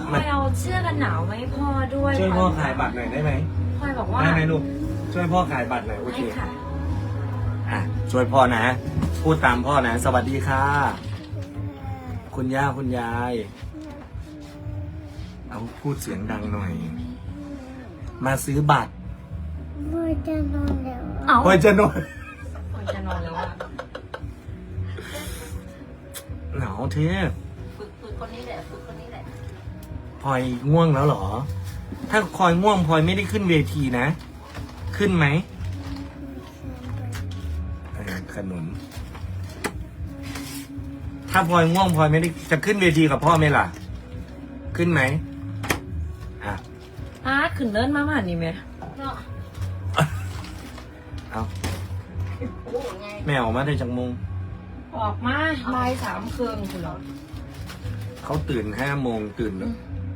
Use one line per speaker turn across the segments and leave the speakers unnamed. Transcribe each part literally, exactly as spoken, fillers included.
พลอยเอาเสื้อกันหนาวมาให้พ่อด้วย
ช่วยพ่อขายบัตรหน่อยได้ไหม
พลอยบอกว่า
ได้ไหมลูกช่วยพ่อขายบัตรหน่อยโอเค
ค่ะ
อ่ะช่วยพ่อนะพูดตามพ่อนะสวัสดีค่ะคุณย่าคุณยายเอาพูดเสียงดังหน่อยมาซื้อบัตร
พ่อจะนอนแล้ว
เอา
พ่อจะนอน
พลอยจะนอนแล้วอ่ะ
หนาวเทพ
ฝึกฝึกคนนี้แหละฝึกคนนี้แหละ
พลอยง่วงแล้วเหรอถ้าพลอยง่วงพลอยไม่ได้ขึ้นเวทีนะขึ้นไหมเออขนุนถ้าพลอยง่วงพลอยไม่ได้จะขึ้นเวทีกับพ่อไหมล่ะขึ้นไหมอ่ะ
อาร์ตขึ้นเนินมาหมานี่ไหม
เอาแม่ออกมาได้จากโมง
ออกมาบ่ายสามครึ่งคุณเหรอ
เขาตื่นห้าโมงตื่นแล้ว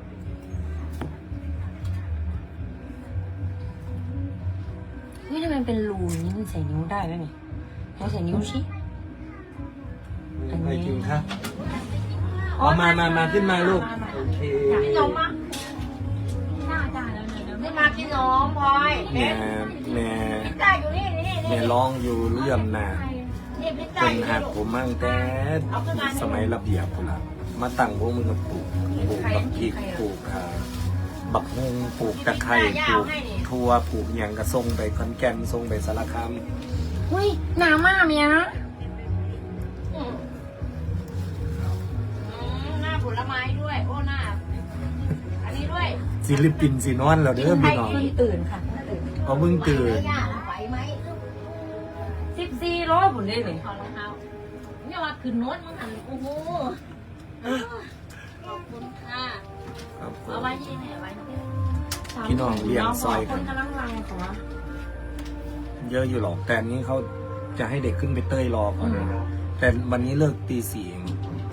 นี่ทำไมเป็นรูนี่มันใส่นิ้วได้ไหมเนี่ยเราใส่นิ้วชี้ อันนี้
ไม่จริงครับเอามามามาขึ้นมาลูกโอเค
พี่นมอ่ะน่าจ่ายแล้วเนี่ยไม่มาพี่นมพลอย
แม่แม่
จ่ายอยู่นี่นี่
แม่ร้องอยู่เรื่องน่ะ
นี่พี่
เป็
จ่าย
นหักผมมั่งแต่สมัยระเบียบพุ่นละมาตั้งพวกมึงกับปลูกปลูกบักพริกปลูกอ่าบักฮงปลูกตะไคร้ปลูกทั่วปลูกอย่างกระทรงไปขอนแก่นทรงไปสารคาม
อุ้ยหนามากเมียนะหน้าผลไม้ด้วยโอ้หน้าอันนี้ด้วย
ศิลปินสีนอนเราเด้อพี่น้อง
เพิ่งตื่นค่ะตื่น
เขาเพิ่งตื่น
ไหวไหม
สิบสี่โลผลได้เลยขอรองเท้าเนี่ยว่าขึ้นโน้ตมันหันโอ้โหขอบคุณค่ะ
ครับผม
เอาไว้ที่ไหนไว้
พี่น้องเลี้ยงซอยกั
คน นกำลังรังของวะ
เยอะอยู่หรอกแต่อันนี้เขาจะให้เด็กขึ้นไปเต้ยรอก่อนนะแต่วันนี้เลิกตีสี่เอง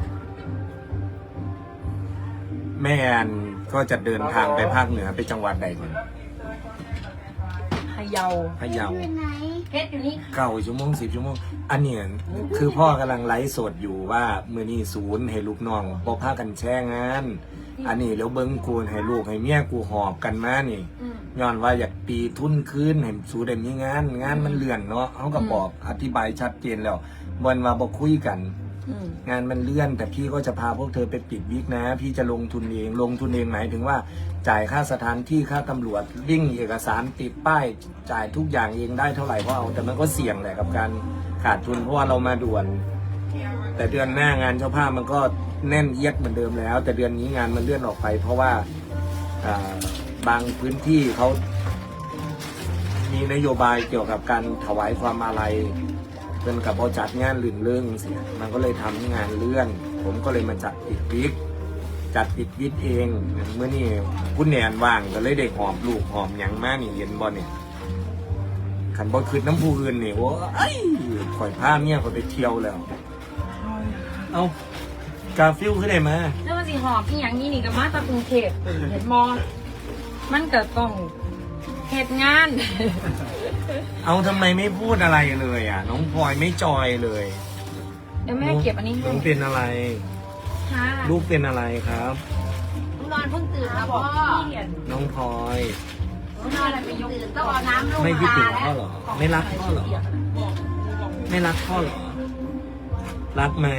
แม่แอนก็จะเดินทางไปภาคเหนือไปจังหวัดใดก่อน
พะเยา
พะเยา
ไปไหน
เพชรอยู่นี่
เก้าชั่วโมงสิบชั่วโมงอันเนี้ยคือพ่อกำลังไลฟ์สดอยู่ว่ามือนี้ศูนย์ให้ลูกน้องบอพากันแช่งาน อันนี้แล้วเบิ้งกูให้ลูกให้เมียกูหอบกันมานี่
อืม
ย้อนว่าอยากปีทุนคืนให้สูเดมีงาน งานมันเลื่อนเนาะเขาก็บอกอธิบายชัดเจนแล้ววันมาบอกคุยกัน
อืม
งานมันเลื่อน แต่พี่ก็จะพาพวกเธอไปปิดวิกนะ พี่จะลงทุนเองลงทุนเองหมายถึงว่าจ่ายค่าสถานที่ค่าตำรวจวิ่งเอกสารติดป้ายจ่ายทุกอย่างเองได้เท่าไหร่ก็เอาแต่มันก็เสี่ยงแหละกับการขาดทุนเพราะว่าเรามาด่วน แต่เดือนหน้างานเจ้าภาพมันก็แน่นเอียดเหมือนเดิมแล้ว แต่เดือนนี้งานมันเลื่อนออกไป เพราะว่าอ่าบางพื้นที่เขามีนโยบายเกี่ยวกับการถวายความอาลัยเป็นกับเขาจัดงานลื่นเรื่องเสียมันก็เลยทำให้งานเลื่อน ผมก็เลยมาจัดปิดวิกจัดปิดวิกเองเมื่อนี่คุณแนนว่างก็เลยเด็กหอมลูกหอมหยังมากนี่เย็นบอลเนี่ยขันบอลคืนน้ำผู้อื่นนี่โอ้ยข่อยผ้าเมียข่อยไปเที่ยวแล้วเอากาฟิลขึ้นได้มา
แล้วมันสิหอบที่อย่างนี้นี่กับมาตากรุงเทพเห็นมอมันเกิดต้องเหตุงาน
เอาทำไมไม่พูดอะไรเลยอ่ะ น้องพลอยไม่จอยเลย
เดี๋ยวแม่เก็บอันนี้ให้
น้องเป็นอะไร
ค่ะ
ลูกเป็นอะไรครับ
นอนเพิ่งตื่นแล้วพ่อ
น้องพลอย
นอนอะไรไปยกตื่นต้องเอาน้ำลง
ไม่คิดถึง
ตา
พ่อเหรอ ไม่รักพ่อเหรอ ไม่รักพ่อเหรอ รักไหม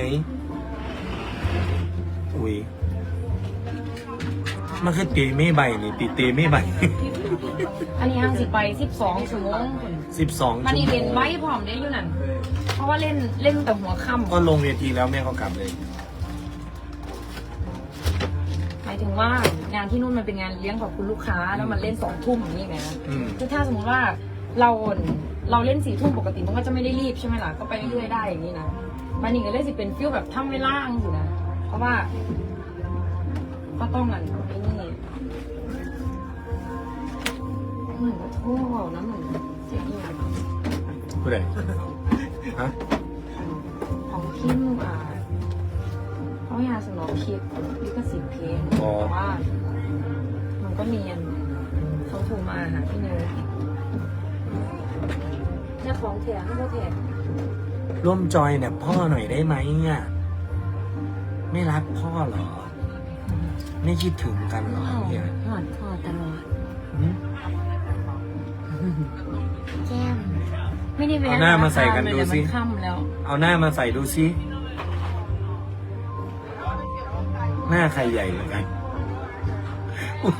อุ้ยมันคือตีไม่ใบนี่ตีตีไม่ใบ
อันนี้ห้างสิไปสิบสองชั่วโมง
สิบสอง
มัน
ชั่ว
นี่
โม
เล่น
ง
ไว้พร้อมได้อยู่นั่นเพราะว่าเล่นเล่นแต่หัวค่ำ
ก็ลงเวทีแล้วแม่ก็กลับเลย
หมายถึงว่างานที่นู่นมันเป็นงานเลี้ยงของคุณลูกค้าแล้วมันเล่นสองทุ่มอย่างนี้ไง
อืม
คือถ้าสมมติว่าเราเราเล่นสี่ทุ่มปกติมันก็จะไม่ได้รีบใช่ไหมล่ะก็ไปเรื่อยๆได้อย่างนี้นะมันนี่ก็เลยสิเป็นฟิลแบบทำเวลาอยู่นะเพราะว่าก็ต้องนั่นไอ้นี่เหมือนกับโท่น้ำเหมือนเสียงอย่าง
ผู้ใดฮะ
ของพิมพ์อ่าเขาอยากสนองคลิปลิขสิทธิ์เพลงแต่ว่า มันก็มีอันเขาโทรมาหาพี่เนยเนี่ยของแถมก็แถม
ร่วมจอยเนี่ยพ่อหน่อยได้ไหมอ่ะไม่รักพ่อเหรอไม่คิดถึงกันเหรอเนี่ย
หอดคอตลอด
หืม
แก้ม
ไม่ได้แวะ
เอาหน้ามาใส่กันดูสิ
มันค่ำแล้ว
เอาหน้ามาใส่ดูซิหน้าใครใหญ่เหมือนกันอุ๊ย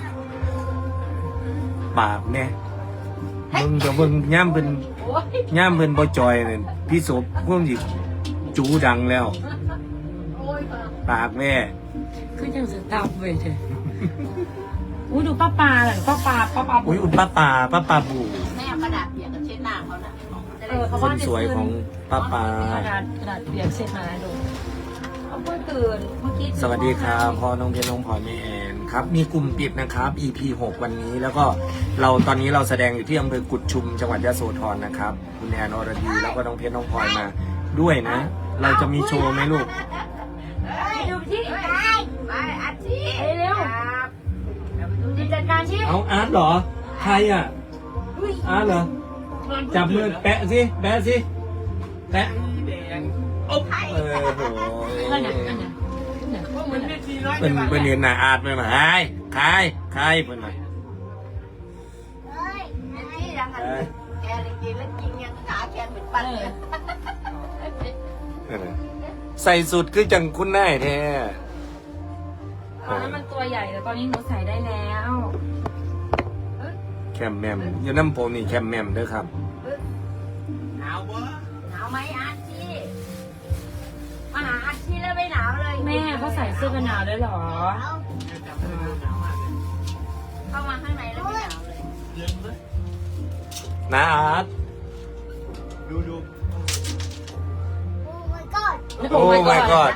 ปากเนี่ยมึงกับมึงย่ำเป็น
โอ้ย
ย่ามเพิ่นบ่จอยเนี่ยพี่ศพพวกหยิบจูดังแล้ว ปากแม่
คือจังสตาร์เว้ยเธออุ้ยดูป้าปลาหน่อยป้าปลาป้าปลา
อุ้ยอุดป้าป่าป้าป่าบู
แม่เอากระดาษเปียกกับเช็ดหน้าเขาน่ะ
เออเขา
ค
ว่าน จะ
สวยของป้าป่าก
ระดาษกระดาษเปียกเช็ดมาดูเขาเพิ่งตื่นเมื่อกี้
สวัสดีครับพ่อน้องเพชรน้องพลอยแม่แอนครับ มีกลุ่มปิดนะครับ อี พี หก วันนี้ แล้วก็เราตอนนี้เราแสดงอยู่ที่อำเภอกุดชุมจังหวัดยะโสธรนะครับ คุณแอนอรดีแล้วก็น้องเพชรน้องพลอยมาด้วยนะ เราจะมีโชว์ไหมลูก
ไปดูที่
ไปอาชีพ
ไปเร็วดีจัดการชิ
เอาอาร์ตเหรอ ใครอ่ะ อาร์ตเหรอ จับมือแปะสิแปะสิแปะโอ๊บเออโห
นั่นน่ะนั่นน่ะนั่นน่ะพวกมันน่ะ
เป็นเป็นเรียนหนาอาร์ตไปมาใครใครใครเป็นไง
เฮ้ย
อาชีพยังไงแกเลยกินแล้วกินยังขาแขนเหมือนปั้นเลย
ใส่สุดคือจังคุณนายแท้
ตอนนั้นมันตัวใหญ่แต่ตอนนี้หนูใส่ได้แล้ว
แคมแมมอยู่น้ำโพนี่แคมแมมเด้อครับ
หนาวไหมอาชีพมาหาอาชีพแล้วไม่หนาวเลย
แม่เขาใส่เสื้อกันหนาวด้วยเหรอ
เข้ามาข้างในแล้วไม่หนาวเลย
นะอาร์ต
โอ้ my god
โอ้ my god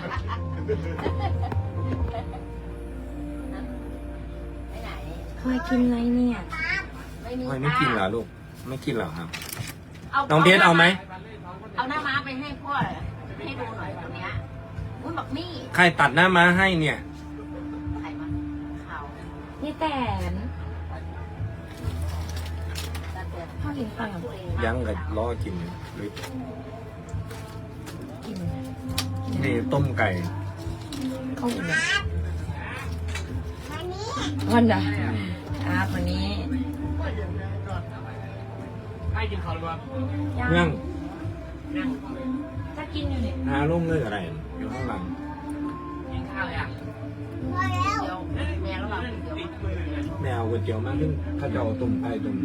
ไปไหน
เคยกินอะไรเนี่ย
ไม่มี
ทำไมไม่กินเหรอลูก ไม่กินเหรอครับ
า
น้องเพชรเอาไหม
เอาหน้าม้าไปให้พ่อให้ดูหน่อยตรงเนี้ยอุ้ยบอกนี่
ใครตัดหน้าม้าให้เนี่ย
ใครมาข่าว
นี่แตน
ตัดเดือด
พ่อกินข้าวยัง
ยังกับล้อกินหรือ
กิน
นี่ต้มไก่
ข้าวอิ่มยัง
อันนี้
วันน่ะอาบวันนี้
ยัง
จะกินอยู่เนี่ย
หาลงเลยอะไร อยู่ข้างหลัง
พอแล้ว
เดี๋ยวแม่ระหว่างเดี๋ยว
แมวก๋วยเตี๋ยวมากขึ้นข้าเจ้าต้มไก่ต้ม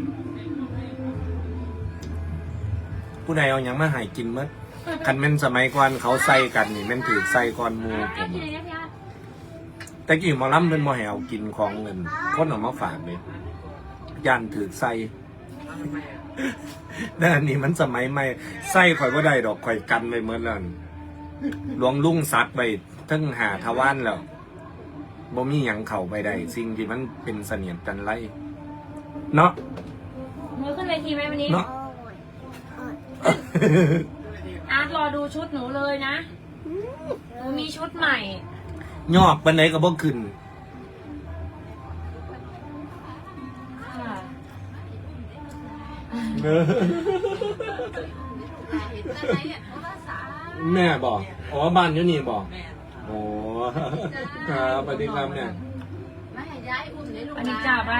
ผู้ใดเอาหยังมาใหายกินมั้ยคันแม่นสมัยก่อนเขาใส่กันนี่แม่นถือใส่ก่อนหมูผม
กินอะไรเนี่ยพี่อา
แต่กี่หมอลำเป็นหมอแหวกินของเงินคนเออกมาฝากเลยย่านถือใส่ แต่อันนี้มันสมัยใหม่ใส่ข่อยก็ได้ดอกข่อยกันไปเมื่อนั้นหลวงลุงซัดไปทั้งหาทวานแล้วบ่มีหยังเข่าไปได้สิ่งที่มันเป็นเสนียดจันไรเนาะ
มือขึ้นเวทีไหมวันนี้
เนาะ
อาร์ตรอดูชุดหนูเลยนะหนูมีชุดใหม่
ยอกปันไหนก็บ่ขึ้น
ค่ะ
เออ
เห็นอะไรเนี่ยโทรศัพท์
แม่บอกอ๋อบ้านอยู่นี่บอกโอ้ครับสวัสดีครับเนี่ย
ไม่ให้ย้ายอุ่นเลยลูก
อันนี้จ่าไป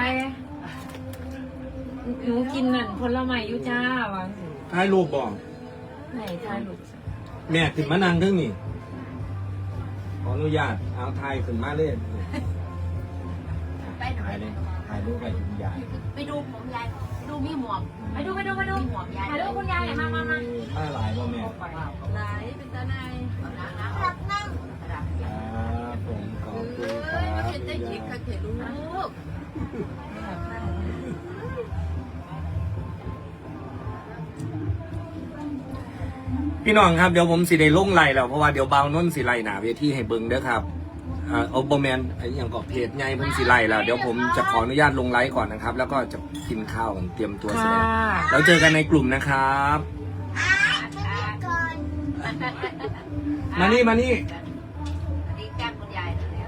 หนูกินนั่นผลไม้อยุจ้าวางสิ
ท้ายรูปบอก
ไหนทายหลุด
แม่ขึ้นมานั่งเรื่องนี่ขออนุญาตเอาทายขึ้นมาเล่น
ไปหน่อ
ถ่าย
ย
เลยถ่ายรูปไปคุณยาย
ไปดูผมยายไปดูมีหมวก
ไปดูไปดูไปดู
มีหมวกยาย
ถ่ายรูปคุณยายหน่อยมามามา
ถ้าหลายบ่แม่
ไหนเป็นตาไหนเอาน้ำน้ำ
รับนั่ง
กระดาษ
ครับผมขอบคุณค
เอ้ย
รับ
เห็นได้ยินค่ะเห็นลูก
พี่น้องครับเดี๋ยวผมสิได้ลงไล่แล้วเพราะว่าเดี๋ยวเบาน้นสิไล่หนาเวทีให้เบิ่งเด้อครับเอ่อเอาโบแมนไอ้อย่างก็เพจใหญ่เพิ่งสิไล่แล้วเดี๋ยวผมจะขออนุญาตลงไลฟ์ก่อนนะครับ แล้วก็จะกินข้าวกันเตรียมตัวแสด
ค่ะ
งแล้วเจอกันในกลุ่มนะครับ
ก่อน
มานี่มานี่
อันนี้แก้มคุณยายแล้ว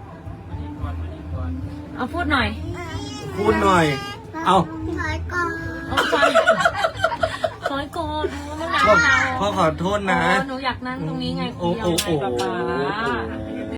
เอาพูดหน่อย
พูดหน่อย เอา
ถอยก่อน
เอาซอยซอยโกนมันหนาว
พ่อ
หนาว
พ่อขอโทษนะ
โอ้หนูอยากนั่งตรงนี้ไงคุ
โอ้
ณยา
โอ้
ย
โอ้
ป๊าป๊า
โอ้